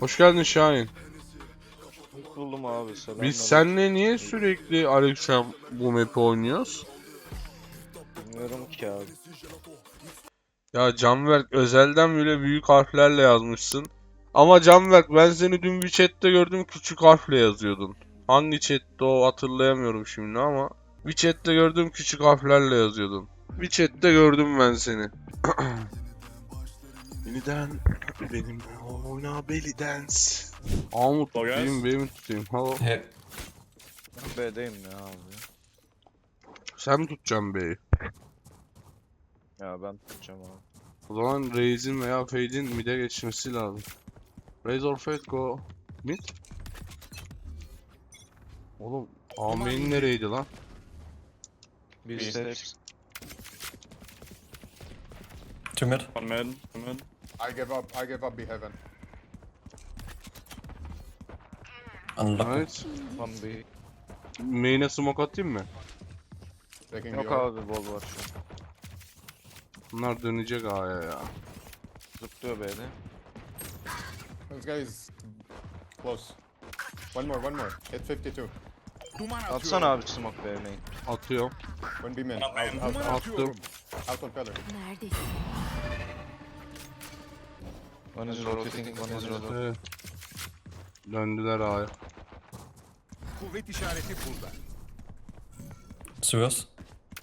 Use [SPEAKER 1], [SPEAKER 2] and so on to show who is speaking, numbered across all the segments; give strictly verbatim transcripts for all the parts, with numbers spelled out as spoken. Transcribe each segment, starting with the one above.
[SPEAKER 1] Hoş geldin Şahin.
[SPEAKER 2] Buldum abi, selam.
[SPEAKER 1] Biz seninle niye sürekli Alexem bu map'i oynuyoruz?
[SPEAKER 2] Bilmiyorum ki abi.
[SPEAKER 1] Ya Canberk özelden bile büyük harflerle yazmışsın. Ama Canberk ben seni dün bir chatte gördüm, küçük harfle yazıyordun. Hangi chatte o hatırlayamıyorum şimdi ama bir chatte gördüm, küçük harflerle yazıyordun. Bir chatte gördüm ben seni. Yeniden benim oyna belly dance. Amut
[SPEAKER 3] Hello, guys.
[SPEAKER 1] tutayım, benim tutayım. Hello.
[SPEAKER 4] Hey,
[SPEAKER 2] Ben B'deyim ya abi.
[SPEAKER 1] Sen mi tutacaksın B'yi?
[SPEAKER 2] Ya ben tutacağım abi.
[SPEAKER 1] O zaman Raze'in veya Fade'in mid'e geçmesi lazım. Raze or Fade go mid. Oğlum A main nereydi lan?
[SPEAKER 2] Bir
[SPEAKER 3] Bir
[SPEAKER 2] steps.
[SPEAKER 4] two mid.
[SPEAKER 3] One mid, one mid.
[SPEAKER 5] I give up. I give up. Be heaven.
[SPEAKER 4] Unlucky.
[SPEAKER 1] Evet.
[SPEAKER 2] One B.
[SPEAKER 1] Main'e smoke atayım mı?
[SPEAKER 5] Taking
[SPEAKER 2] Yok
[SPEAKER 5] the orb.
[SPEAKER 2] abi, bol var şu an.
[SPEAKER 1] Bunlar dönecek A'ya ya.
[SPEAKER 2] Zıplıyor B'de.
[SPEAKER 5] This guy is close. One more. One more. Hit fifty-two.
[SPEAKER 2] Atsana abi smoke B main.
[SPEAKER 1] Atıyorum.
[SPEAKER 5] One B man.
[SPEAKER 3] One
[SPEAKER 5] Out.
[SPEAKER 3] man.
[SPEAKER 5] Out. Out.
[SPEAKER 1] Attım.
[SPEAKER 5] Out on pillar.
[SPEAKER 6] Neredesin?
[SPEAKER 2] One is rotating, one is rotating.
[SPEAKER 1] Evet. Döndüler A'ya.
[SPEAKER 7] Kuvvet işareti burada.
[SPEAKER 4] Sewers.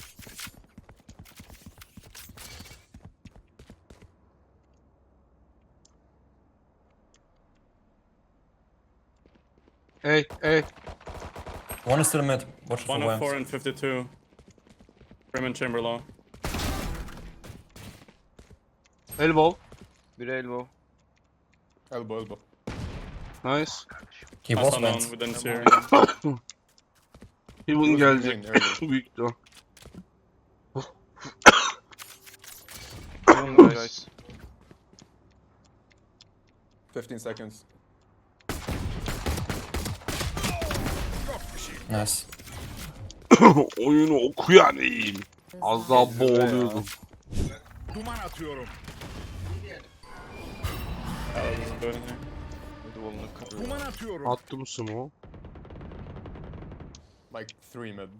[SPEAKER 1] Hey hey.
[SPEAKER 4] One is still mid. Watch for
[SPEAKER 3] One of four
[SPEAKER 4] Wams.
[SPEAKER 3] and fifty-two. Raymond Chamber low.
[SPEAKER 1] Elbow.
[SPEAKER 2] Bir elbow.
[SPEAKER 5] Elbow. Elbow.
[SPEAKER 1] Nice.
[SPEAKER 4] He
[SPEAKER 3] Last
[SPEAKER 4] was
[SPEAKER 3] unknown,
[SPEAKER 4] Wams.
[SPEAKER 3] we didn't see her.
[SPEAKER 1] Heaven
[SPEAKER 5] Who's
[SPEAKER 1] gelecek.
[SPEAKER 5] main early?
[SPEAKER 1] Büyük ihtimal.
[SPEAKER 2] Doing guys.
[SPEAKER 5] fifteen seconds.
[SPEAKER 4] Nice.
[SPEAKER 1] Oyunu okuyan iyiyim. Az daha boğuluyordum.
[SPEAKER 7] Duman atıyorum.
[SPEAKER 3] Alex isn't doing anything.
[SPEAKER 2] Hadi volunu kırıyor.
[SPEAKER 7] Duman atıyorum.
[SPEAKER 1] Attım smoke.
[SPEAKER 5] Like three mid.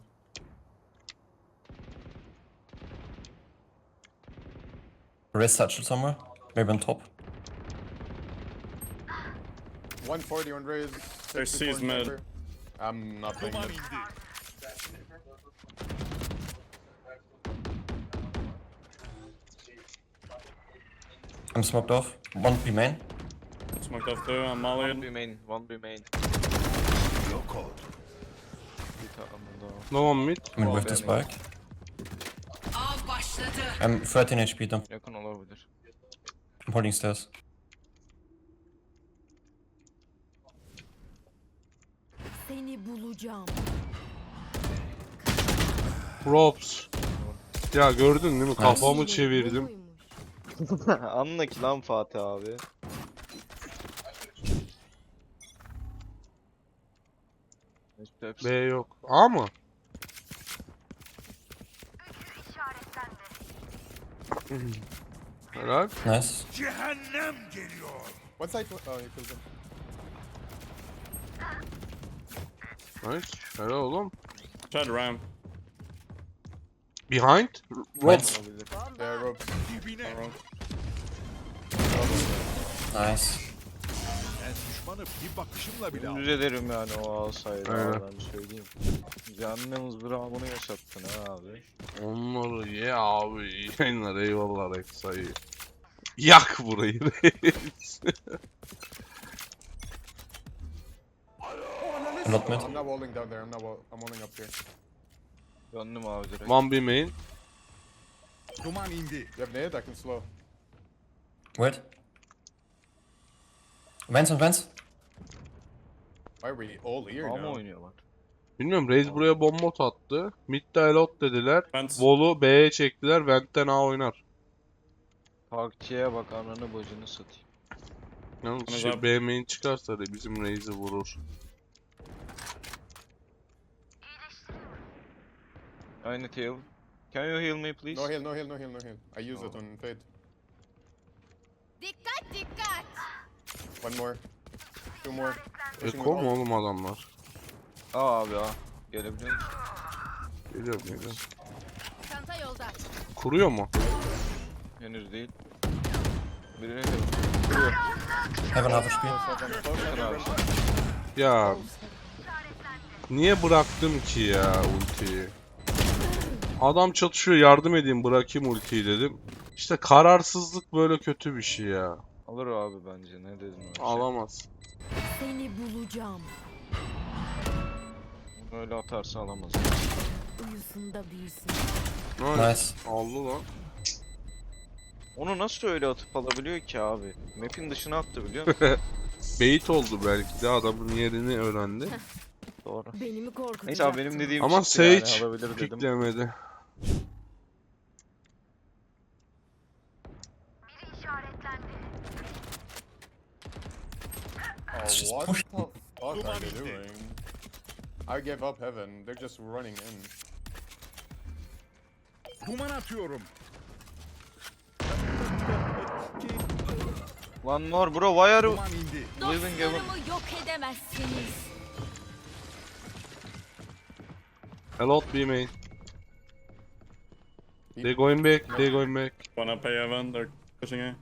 [SPEAKER 4] Raise satchel somewhere. Maybe on top.
[SPEAKER 5] one forty on raise.
[SPEAKER 3] There's
[SPEAKER 5] sixty-four
[SPEAKER 3] C's
[SPEAKER 5] in
[SPEAKER 3] mid.
[SPEAKER 5] chamber. I'm not playing
[SPEAKER 7] Duman
[SPEAKER 5] mid.
[SPEAKER 7] indi.
[SPEAKER 4] I'm smoked off. One B main.
[SPEAKER 3] Smoked off two, I'm
[SPEAKER 2] One
[SPEAKER 3] mollied.
[SPEAKER 2] B main, one B main.
[SPEAKER 7] Yok oldu.
[SPEAKER 2] Bir tane daha.
[SPEAKER 1] No one mid.
[SPEAKER 4] I mean,
[SPEAKER 2] Oh,
[SPEAKER 4] with the
[SPEAKER 2] B main.
[SPEAKER 4] spike. I'm thirteen H P though.
[SPEAKER 2] Yakın olabilir.
[SPEAKER 4] I'm holding stairs.
[SPEAKER 6] Seni bulacağım.
[SPEAKER 1] Props. Ya gördün değil mi? Kafamı çevirdim.
[SPEAKER 6] Buymuş.
[SPEAKER 2] Anla ki lan Fatih abi. Steps.
[SPEAKER 1] B yok. A mı? Helal.
[SPEAKER 4] Nice.
[SPEAKER 7] Cehennem geliyor.
[SPEAKER 5] What side? Oh, you killed him.
[SPEAKER 1] Nice. Helal oğlum.
[SPEAKER 3] Tried ramp.
[SPEAKER 1] Behind. Ropes.
[SPEAKER 2] Olabilir.
[SPEAKER 5] Yeah, ropes.
[SPEAKER 7] Dibine.
[SPEAKER 3] Wrong.
[SPEAKER 4] Nice.
[SPEAKER 7] Ben düşmanı bir bakışımla bile aldım.
[SPEAKER 2] Dümdüz ederim yani o alsaydı
[SPEAKER 1] Aynen.
[SPEAKER 2] abi, ben söyleyeyim. Cehennem ızdırabını yaşattın ha abi.
[SPEAKER 1] Onları ye abi. İyi yayınlar. Eyvallah Rexa'yı. Yak burayı Rex.
[SPEAKER 4] I'm not mid.
[SPEAKER 5] I'm not walling down there. I'm not. Wall I'm walling up here.
[SPEAKER 2] Döndüm abi direkt.
[SPEAKER 1] One B main.
[SPEAKER 7] Duman indi.
[SPEAKER 5] You have nade? I can slow.
[SPEAKER 4] Wait. Vents on vents.
[SPEAKER 5] Why are we all here
[SPEAKER 2] A mı
[SPEAKER 5] now?
[SPEAKER 2] oynuyorlar?
[SPEAKER 1] Bilmiyorum. Raze buraya bomba attı. Mid'de elot dediler.
[SPEAKER 3] Vents.
[SPEAKER 1] Vol'u B'ye çektiler. Vent'ten A oynar.
[SPEAKER 2] Parkçıya bak, ananı bacını satayım.
[SPEAKER 1] Yalnız
[SPEAKER 3] Hani
[SPEAKER 1] şey,
[SPEAKER 3] zaten-
[SPEAKER 1] B main çıkarsa da bizim Raze'i vurur.
[SPEAKER 2] Aynı tail. Can you heal me please?
[SPEAKER 5] No heal. No heal. No heal. No heal. I use it on fade.
[SPEAKER 6] Dikkat dikkat.
[SPEAKER 5] One more. Two more. Pushing
[SPEAKER 1] Eko
[SPEAKER 5] with
[SPEAKER 1] mu
[SPEAKER 5] ult.
[SPEAKER 1] oğlum adamlar?
[SPEAKER 2] Aa abi aa. Gelebiliyor musun?
[SPEAKER 1] Geliyorum geliyorum.
[SPEAKER 6] Çanta yolda.
[SPEAKER 1] Kuruyor mu?
[SPEAKER 2] Henüz değil. Birine de vuruyor.
[SPEAKER 4] Heaven half H P.
[SPEAKER 5] Close, close,
[SPEAKER 2] Bakın abi.
[SPEAKER 1] Ya niye bıraktım ki ya ultiyi? Adam çatışıyor, yardım edeyim, bırakayım ultiyi dedim. İşte kararsızlık böyle kötü bir şey ya.
[SPEAKER 2] Alır o abi bence. Ne dedin o şey?
[SPEAKER 1] Alamaz.
[SPEAKER 6] Seni bulacağım.
[SPEAKER 2] Bunu öyle atarsa alamaz.
[SPEAKER 6] Uyusunda büyüsün.
[SPEAKER 1] Nice.
[SPEAKER 4] Nice.
[SPEAKER 1] Aldı lan.
[SPEAKER 2] Onu nasıl öyle atıp alabiliyor ki abi? Map'in dışına attı biliyor musun?
[SPEAKER 1] Bait oldu belki de, adamın yerini öğrendi.
[SPEAKER 2] Doğru.
[SPEAKER 6] Beni mi korkutacaksın?
[SPEAKER 2] Neyse abi benim dediğim
[SPEAKER 1] Ama
[SPEAKER 2] çıktı yani,
[SPEAKER 1] Sage
[SPEAKER 2] alabilir dedim.
[SPEAKER 1] piklemedi.
[SPEAKER 5] Oh,
[SPEAKER 4] just
[SPEAKER 5] what
[SPEAKER 4] push
[SPEAKER 5] the fuck are
[SPEAKER 7] Duman
[SPEAKER 5] they
[SPEAKER 7] indi.
[SPEAKER 5] doing? I gave up heaven. They're just running in.
[SPEAKER 7] Duman atıyorum.
[SPEAKER 2] One more bro, why are you
[SPEAKER 7] Duman indi.
[SPEAKER 2] living heaven?
[SPEAKER 6] Dostlarımı yok edemezsiniz.
[SPEAKER 1] A lot B main. They going back, they going back.
[SPEAKER 3] One up A heaven, they're pushing A.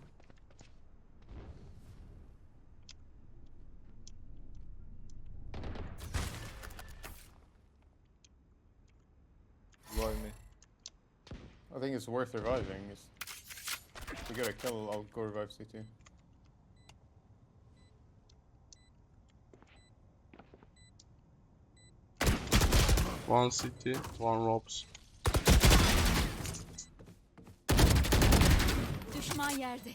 [SPEAKER 2] Why me?
[SPEAKER 5] I think it's worth reviving. It's... If we get a kill, I'll go revive C T.
[SPEAKER 1] One city, one ropes.
[SPEAKER 6] Düşman yerde.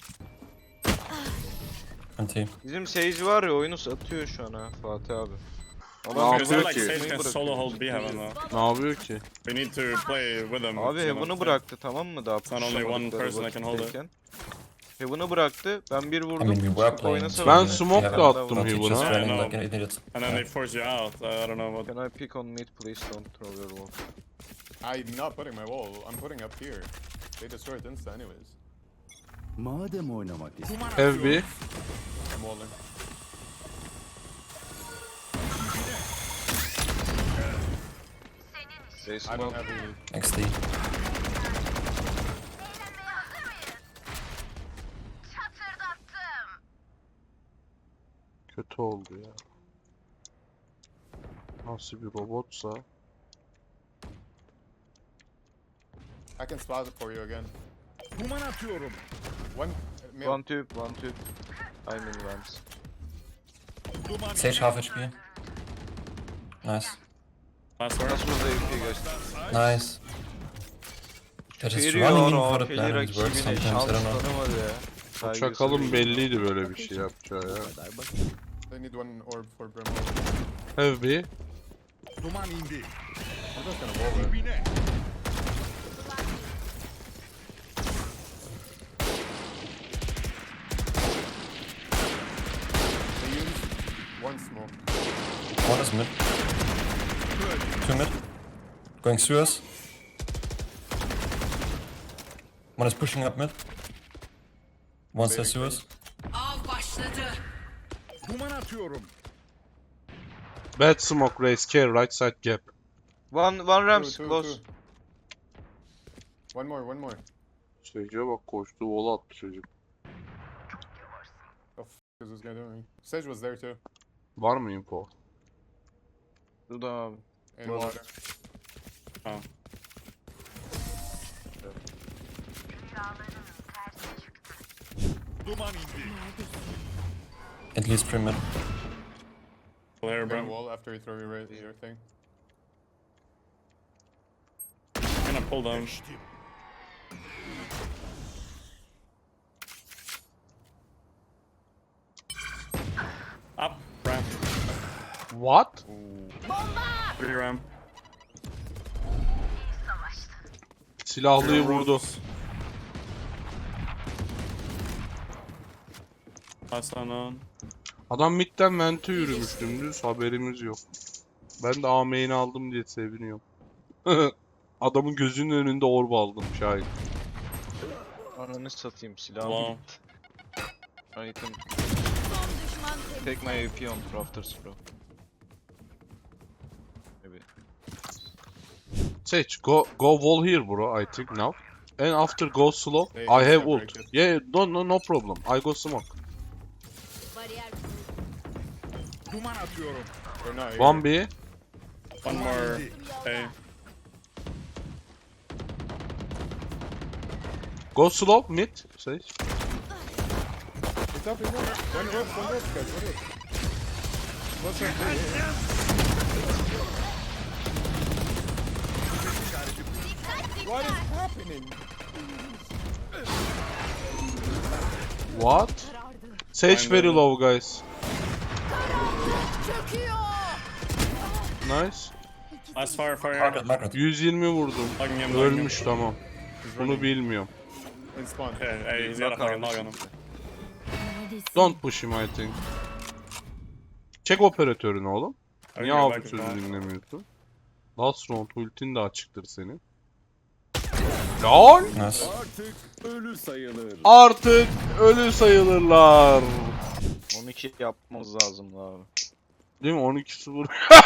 [SPEAKER 4] Anti.
[SPEAKER 2] Bizim Sage var ya, oyunu satıyor şu an ha Fatih abi.
[SPEAKER 1] Ne
[SPEAKER 2] Adam
[SPEAKER 3] Because
[SPEAKER 1] yapıyor
[SPEAKER 3] they're like
[SPEAKER 1] ki?
[SPEAKER 3] Sage can solo hold B heaven though.
[SPEAKER 1] Ne yapıyor ki?
[SPEAKER 3] We need to play with them.
[SPEAKER 2] Abi
[SPEAKER 3] you know.
[SPEAKER 2] Heaven'ı bıraktı tamam mı daha?
[SPEAKER 3] not only one
[SPEAKER 2] pushamadıkları
[SPEAKER 3] person that can hold it.
[SPEAKER 2] vakitteyken. Heaven'ı bıraktı. Ben bir
[SPEAKER 4] I
[SPEAKER 2] vurdum.
[SPEAKER 4] mean, we were
[SPEAKER 2] çıkıp
[SPEAKER 4] playing.
[SPEAKER 2] oynasa
[SPEAKER 1] Ben
[SPEAKER 2] bile.
[SPEAKER 1] smoke da
[SPEAKER 4] Heaven.
[SPEAKER 1] attım
[SPEAKER 4] But he just
[SPEAKER 1] Heaven'a.
[SPEAKER 3] Yeah, I
[SPEAKER 4] running
[SPEAKER 3] know.
[SPEAKER 4] like an idiot.
[SPEAKER 3] And then they force you out. Uh, I don't know what.
[SPEAKER 2] Can I pick on mid please, don't throw your wall.
[SPEAKER 5] I'm not putting my wall. I'm putting up here. They destroy it insta anyways.
[SPEAKER 8] Madem oynamak istiyorsun.
[SPEAKER 7] Duman
[SPEAKER 1] Have
[SPEAKER 7] atıyorum.
[SPEAKER 1] B.
[SPEAKER 5] I'm walling.
[SPEAKER 2] They
[SPEAKER 5] I don't
[SPEAKER 2] smoke.
[SPEAKER 5] have heal.
[SPEAKER 4] X D.
[SPEAKER 1] Kötü oldu ya. Nasıl bir robotsa.
[SPEAKER 5] I can spot it for you again.
[SPEAKER 7] Duman atıyorum.
[SPEAKER 5] One. Uh, male.
[SPEAKER 2] One tube, one tube. I'm in vents.
[SPEAKER 7] Duman
[SPEAKER 4] Sage half H P. Nice.
[SPEAKER 3] Last word.
[SPEAKER 2] Nasıl da A P geçti?
[SPEAKER 4] Nice. They're just
[SPEAKER 2] Veriyor
[SPEAKER 4] running in
[SPEAKER 2] o
[SPEAKER 4] for the
[SPEAKER 2] A P'li
[SPEAKER 4] plan. It works
[SPEAKER 2] rakibine
[SPEAKER 4] sometimes, I
[SPEAKER 2] şans
[SPEAKER 4] don't know.
[SPEAKER 2] tanımadı ya.
[SPEAKER 1] O
[SPEAKER 2] Saygısı
[SPEAKER 1] çakalın
[SPEAKER 2] değil.
[SPEAKER 1] belliydi böyle bir şey yapacağı ya.
[SPEAKER 5] They need one orb for Brimwall.
[SPEAKER 1] Have B.
[SPEAKER 7] Duman indi.
[SPEAKER 5] I'm just gonna wall it.
[SPEAKER 7] Dibine.
[SPEAKER 5] They use one smoke.
[SPEAKER 4] One is mid. Two mid. Going through us. One is pushing up mid. One says through us.
[SPEAKER 7] Duman atıyorum.
[SPEAKER 1] Bad smoke race, care, right side gap.
[SPEAKER 2] One, one Rams,
[SPEAKER 5] Two, two,
[SPEAKER 2] close.
[SPEAKER 5] two. One more, one more.
[SPEAKER 1] Sage'e bak, koştu, wall attı çocuk.
[SPEAKER 5] The f is this guy doing? Sage was there too.
[SPEAKER 1] Var mı info?
[SPEAKER 2] Dur da abi.
[SPEAKER 5] In
[SPEAKER 2] Well,
[SPEAKER 5] water.
[SPEAKER 3] Oh.
[SPEAKER 7] Duman indi.
[SPEAKER 4] At least three mid.
[SPEAKER 3] Player,
[SPEAKER 5] Brim
[SPEAKER 3] bro.
[SPEAKER 5] wall after you throw your, ra- your thing.
[SPEAKER 3] I'm gonna pull them.
[SPEAKER 7] Geçtim.
[SPEAKER 3] Up. Ramp.
[SPEAKER 1] What?
[SPEAKER 3] Three ramp.
[SPEAKER 1] Silahlıyı vurdu.
[SPEAKER 3] Last unknown.
[SPEAKER 1] Adam midden vente yürümüş dümdüz, haberimiz yok. Ben de A main'i aldım diye seviniyorum. Adamın gözünün önünde orb aldım Şahin.
[SPEAKER 2] Ananı satayım silahım
[SPEAKER 3] Wow.
[SPEAKER 2] gitti. Item.
[SPEAKER 6] Düşman tek.
[SPEAKER 2] Take my A P on rafters bro. Maybe.
[SPEAKER 1] Sage, go go wall here bro, I think now. And after go slow,
[SPEAKER 5] Hey,
[SPEAKER 1] I have
[SPEAKER 5] it's
[SPEAKER 1] ult.
[SPEAKER 5] not break it.
[SPEAKER 1] Yeah, no no no problem. I go smoke.
[SPEAKER 6] Bariyer
[SPEAKER 7] Duman atıyorum.
[SPEAKER 5] Or not,
[SPEAKER 1] One
[SPEAKER 5] here.
[SPEAKER 1] B.
[SPEAKER 3] One more A.
[SPEAKER 1] Go slow mid. Sage.
[SPEAKER 5] He's up, he's up. One roof, one roof, guys, one roof. What's up, What is happening?
[SPEAKER 1] What?
[SPEAKER 6] karardı.
[SPEAKER 1] Sage very
[SPEAKER 3] Aynen.
[SPEAKER 1] low guys.
[SPEAKER 6] Çöküyor.
[SPEAKER 1] Nice.
[SPEAKER 3] Nice fire, fire.
[SPEAKER 4] Market, market.
[SPEAKER 1] yüz yirmi vurdum.
[SPEAKER 3] Hugging him, hugging him.
[SPEAKER 1] Ölmüş tamam.
[SPEAKER 5] He's
[SPEAKER 1] Bunu
[SPEAKER 5] running.
[SPEAKER 1] bilmiyorum.
[SPEAKER 5] In spawn.
[SPEAKER 3] Hey, hey, he's got a fucking log on him.
[SPEAKER 6] Neredesin?
[SPEAKER 1] Don't push him I think. Çek operatörünü oğlum.
[SPEAKER 3] I
[SPEAKER 1] Niye
[SPEAKER 3] go
[SPEAKER 1] abi
[SPEAKER 3] back to
[SPEAKER 1] sözü
[SPEAKER 3] spawn.
[SPEAKER 1] dinlemiyorsun? Last round ultin de açıktır senin. LOL!
[SPEAKER 4] Nice.
[SPEAKER 7] Artık ölü sayılır.
[SPEAKER 1] Artık ölü sayılırlar.
[SPEAKER 2] on iki yapmamız lazım abi.
[SPEAKER 1] Değil mi? on iki sıfır.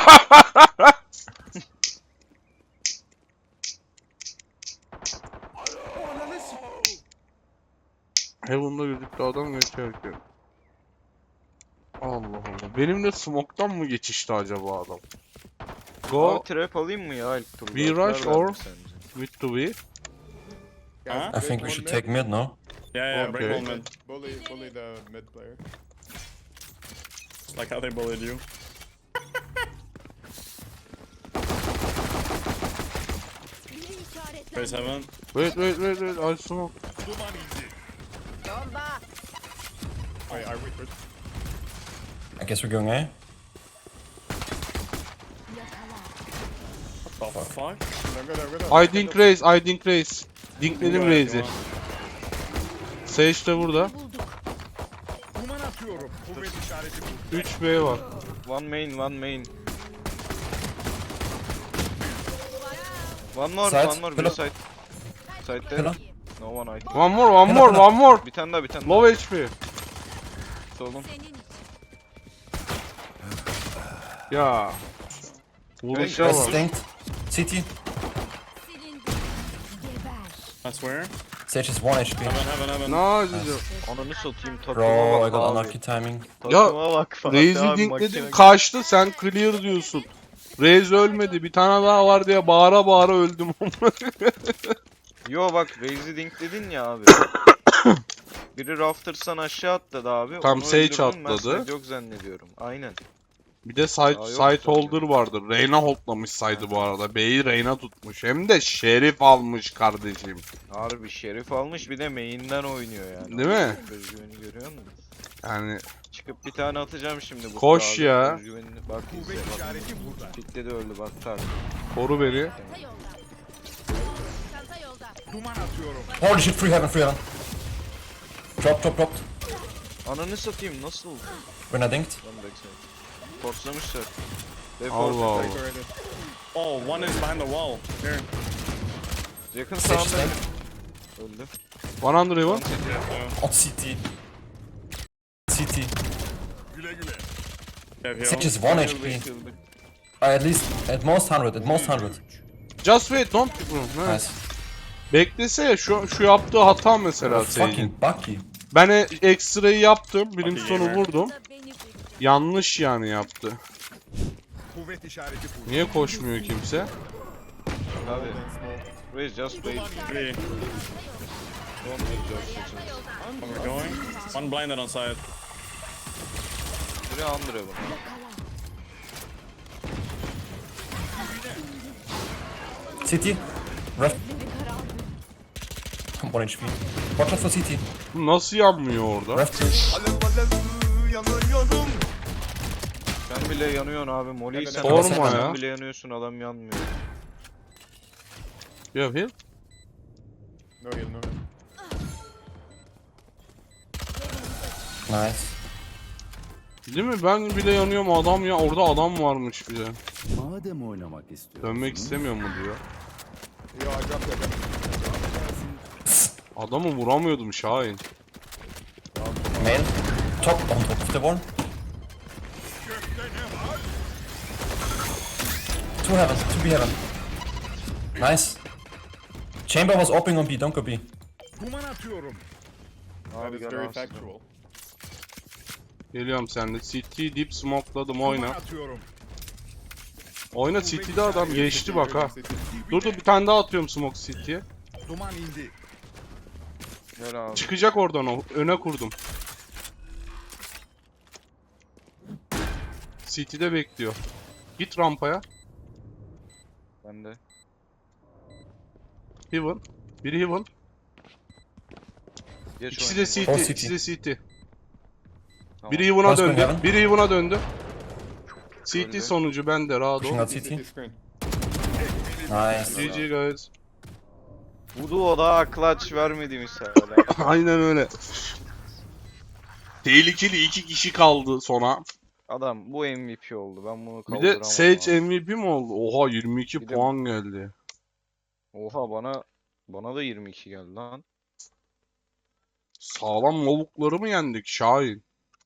[SPEAKER 1] Heaven'da gözüktü adam geçerken. Allah Allah. Benimle smoke'tan mı geçişti acaba adam? Go
[SPEAKER 2] Abi trap alayım mı ya ilk turda?
[SPEAKER 1] We
[SPEAKER 2] Karar
[SPEAKER 1] rush
[SPEAKER 2] ver
[SPEAKER 1] or-
[SPEAKER 2] mi sence?
[SPEAKER 1] mid to B.
[SPEAKER 5] Guys,
[SPEAKER 3] Huh?
[SPEAKER 4] I
[SPEAKER 5] break
[SPEAKER 4] think we
[SPEAKER 5] one
[SPEAKER 4] should
[SPEAKER 5] mid.
[SPEAKER 4] take mid, no?
[SPEAKER 3] Yeah, yeah, break
[SPEAKER 1] Okay.
[SPEAKER 3] one mid.
[SPEAKER 5] Bully, bully the mid player.
[SPEAKER 3] Like how they bullied you.
[SPEAKER 6] Biri işaretlendi.
[SPEAKER 3] Raise heaven.
[SPEAKER 1] Wait wait wait wait. I smoke.
[SPEAKER 7] Duman indi.
[SPEAKER 6] Bomba.
[SPEAKER 5] Wait, are we first?
[SPEAKER 4] I guess we're going A.
[SPEAKER 6] Yakala.
[SPEAKER 3] What the fuck?
[SPEAKER 5] I'm good, I'm good.
[SPEAKER 1] I dink raise. I dink raise. Dinkledim
[SPEAKER 3] Go ahead,
[SPEAKER 1] raze'i.
[SPEAKER 3] go on.
[SPEAKER 1] Sage de burada.
[SPEAKER 6] Bulduk.
[SPEAKER 7] Duman atıyorum. Kuvvet işareti bu.
[SPEAKER 1] üç B var.
[SPEAKER 2] One main, one main. One more,
[SPEAKER 4] Side,
[SPEAKER 2] one more,
[SPEAKER 4] pillar.
[SPEAKER 2] bir side. Side there.
[SPEAKER 4] Pillar.
[SPEAKER 2] No one I think.
[SPEAKER 1] One more one more one more.
[SPEAKER 2] Bir tane daha, bir tane daha.
[SPEAKER 1] Low H P.
[SPEAKER 2] Solun.
[SPEAKER 6] Senin
[SPEAKER 1] Ya. Vuruşa
[SPEAKER 4] Guys,
[SPEAKER 1] bak.
[SPEAKER 4] stinked. C T.
[SPEAKER 6] silindi. Geber.
[SPEAKER 3] I swear.
[SPEAKER 4] Sage is one H P.
[SPEAKER 3] Heaven, heaven, heaven.
[SPEAKER 1] Ne acıcı.
[SPEAKER 2] Ananı satayım, takıma
[SPEAKER 4] Bro, I
[SPEAKER 2] bak
[SPEAKER 4] got
[SPEAKER 2] abi.
[SPEAKER 4] unlucky timing.
[SPEAKER 2] Takıma bak falan.
[SPEAKER 1] Raze'i
[SPEAKER 2] Abi,
[SPEAKER 1] dinkledim
[SPEAKER 2] makine-
[SPEAKER 1] kaçtı sen clear diyorsun. Raze ölmedi bir tane daha var diye bağıra bağıra öldüm.
[SPEAKER 2] Yo bak, Raze'i dinkledin ya abi. Biri Rafters'tan aşağı atladı abi.
[SPEAKER 1] Tam
[SPEAKER 2] onu
[SPEAKER 1] Sage
[SPEAKER 2] öldürdüm, ben
[SPEAKER 1] atladı.
[SPEAKER 2] side yok zannediyorum. Aynen.
[SPEAKER 1] Bir de side,
[SPEAKER 2] Aa, yok
[SPEAKER 1] side
[SPEAKER 2] sanki.
[SPEAKER 1] holder vardı. Reyna holdlamış side'ı bu arada. B'yi Reyna tutmuş. Hem de Şerif almış kardeşim.
[SPEAKER 2] Harbi Şerif almış, bir de main'den oynuyor yani.
[SPEAKER 1] Değil mi?
[SPEAKER 2] Özgüveni görüyor musun?
[SPEAKER 1] Yani
[SPEAKER 2] Çıkıp bir tane atacağım şimdi bu
[SPEAKER 1] Koş
[SPEAKER 2] abi.
[SPEAKER 1] ya.
[SPEAKER 2] Özgüvenini bak izle
[SPEAKER 7] Kuvvet
[SPEAKER 2] bak.
[SPEAKER 7] işareti burada.
[SPEAKER 2] Kitle de öldü bak tak.
[SPEAKER 1] koru beni.
[SPEAKER 6] Çanta yolda. Çanta yolda.
[SPEAKER 7] Duman atıyorum.
[SPEAKER 4] Holy shit, free heaven, free heaven. Drop, drop, dropped.
[SPEAKER 2] Ananı satayım, nasıl?
[SPEAKER 4] When I dinked.
[SPEAKER 2] Lan backside. Forslamışlar. They
[SPEAKER 1] Allah
[SPEAKER 2] forced
[SPEAKER 1] Allah.
[SPEAKER 2] it, like,
[SPEAKER 5] Already.
[SPEAKER 3] Oh, one is behind the wall. Here.
[SPEAKER 2] yakın
[SPEAKER 4] Sage
[SPEAKER 2] sağında.
[SPEAKER 4] stinked.
[SPEAKER 2] Öldü.
[SPEAKER 1] one hundred even.
[SPEAKER 4] On C T. C T.
[SPEAKER 7] Güle güle.
[SPEAKER 3] Yeah, heal.
[SPEAKER 4] Sage is one H P. Uh, at least, at most one hundred, at most one hundred.
[SPEAKER 1] Just wait don't bro.
[SPEAKER 4] Nice.
[SPEAKER 1] Beklese ya şu, şu yaptığı hata mesela
[SPEAKER 4] Fucking
[SPEAKER 1] Sage'in.
[SPEAKER 4] Bucky.
[SPEAKER 1] Ben e- ekstrayı yaptım. Bilim
[SPEAKER 3] Okey,
[SPEAKER 1] sonu
[SPEAKER 3] gamer.
[SPEAKER 1] vurdum.
[SPEAKER 6] Da beni bul.
[SPEAKER 1] Yanlış yani yaptı.
[SPEAKER 7] Kuvvet işareti burada.
[SPEAKER 1] Niye koşmuyor kimse?
[SPEAKER 2] Abi. Raise just wait.
[SPEAKER 3] Three.
[SPEAKER 2] Don't wait just wait.
[SPEAKER 3] Where we're going. One blinded on side.
[SPEAKER 2] Biri Andre bu.
[SPEAKER 4] C T. Ref. one H P. Watch out for C T.
[SPEAKER 1] Bu nasıl yanmıyor orada?
[SPEAKER 4] Ref.
[SPEAKER 2] Sen bile yanıyorsun abi. Molly'yi sen
[SPEAKER 4] Sorma
[SPEAKER 2] sen
[SPEAKER 1] ya.
[SPEAKER 2] bile yanıyorsun, adam yanmıyor.
[SPEAKER 1] You have heal?
[SPEAKER 5] No heal, no heal.
[SPEAKER 4] Nice.
[SPEAKER 1] Değil mi? Ben bile yanıyorum adam ya. Orada adam varmış bir de.
[SPEAKER 8] Madem oynamak istiyorsunuz.
[SPEAKER 1] Dönmek istemiyor mu diyor.
[SPEAKER 5] Yo, I dropped it, I dropped it.
[SPEAKER 1] Adamı vuramıyordum Şahin.
[SPEAKER 4] Main. top, on top of the wall. Two heaven, two B heaven. Nice. Chamber was opening on B, don't go B.
[SPEAKER 7] Duman atıyorum.
[SPEAKER 3] That
[SPEAKER 2] Abi
[SPEAKER 3] is
[SPEAKER 2] gel
[SPEAKER 3] very
[SPEAKER 2] abi.
[SPEAKER 3] factual.
[SPEAKER 1] Geliyorum sen de. City dip smokeladım
[SPEAKER 7] Duman
[SPEAKER 1] oyna.
[SPEAKER 7] atıyorum.
[SPEAKER 1] Oyna City'de adam geçti bak ha. Dur dur bir tane daha atıyorum smoke City'ye.
[SPEAKER 7] Duman indi.
[SPEAKER 2] Gel abi.
[SPEAKER 1] Çıkacak oradan o. Öne kurdum. City'de bekliyor. Git rampaya.
[SPEAKER 2] Ben de.
[SPEAKER 1] Heaven. Biri Heaven.
[SPEAKER 2] Geç
[SPEAKER 1] İkisi de
[SPEAKER 2] oynayın.
[SPEAKER 1] City.
[SPEAKER 4] O City.
[SPEAKER 1] İkisi de City.
[SPEAKER 2] Tamam.
[SPEAKER 1] Biri Heaven'a
[SPEAKER 4] Last one
[SPEAKER 1] döndü.
[SPEAKER 4] Heaven.
[SPEAKER 1] Biri Heaven'a döndü. City
[SPEAKER 2] Öldü.
[SPEAKER 1] sonucu bende rahat
[SPEAKER 4] Pushing
[SPEAKER 1] ol.
[SPEAKER 4] out
[SPEAKER 5] City
[SPEAKER 4] C T.
[SPEAKER 5] screen.
[SPEAKER 4] Nice.
[SPEAKER 1] G G guys.
[SPEAKER 2] Vudu da clutch vermedi misal.
[SPEAKER 1] Aynen öyle. Tehlikeli iki kişi kaldı sona.
[SPEAKER 2] Adam bu M V P oldu. Ben bunu
[SPEAKER 1] Bir
[SPEAKER 2] kaldıramam.
[SPEAKER 1] de Sage
[SPEAKER 2] abi.
[SPEAKER 1] M V P mi oldu? Oha yirmi iki
[SPEAKER 2] Bir de-
[SPEAKER 1] puan geldi.
[SPEAKER 2] Oha bana bana da yirmi iki geldi lan.
[SPEAKER 1] Sağlam lavukları mı yendik Şahin?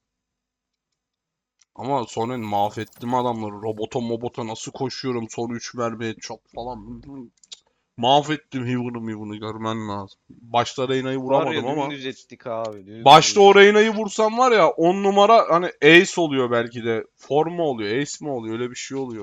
[SPEAKER 1] Ama sonra mahvettim adamları. Robota mobota nasıl koşuyorum son üç mermi headshot falan. Mahvettim Heaven'ı Heaven'ı görmen lazım. Başta Reyna'yı
[SPEAKER 2] Var
[SPEAKER 1] vuramadım
[SPEAKER 2] ya
[SPEAKER 1] ama.
[SPEAKER 2] dümdüz ettik abi. Dümdüz.
[SPEAKER 1] Başta o Reyna'yı vursam var ya on numara hani ace oluyor belki de. Form mu oluyor? Ace mi oluyor? Öyle bir şey oluyor.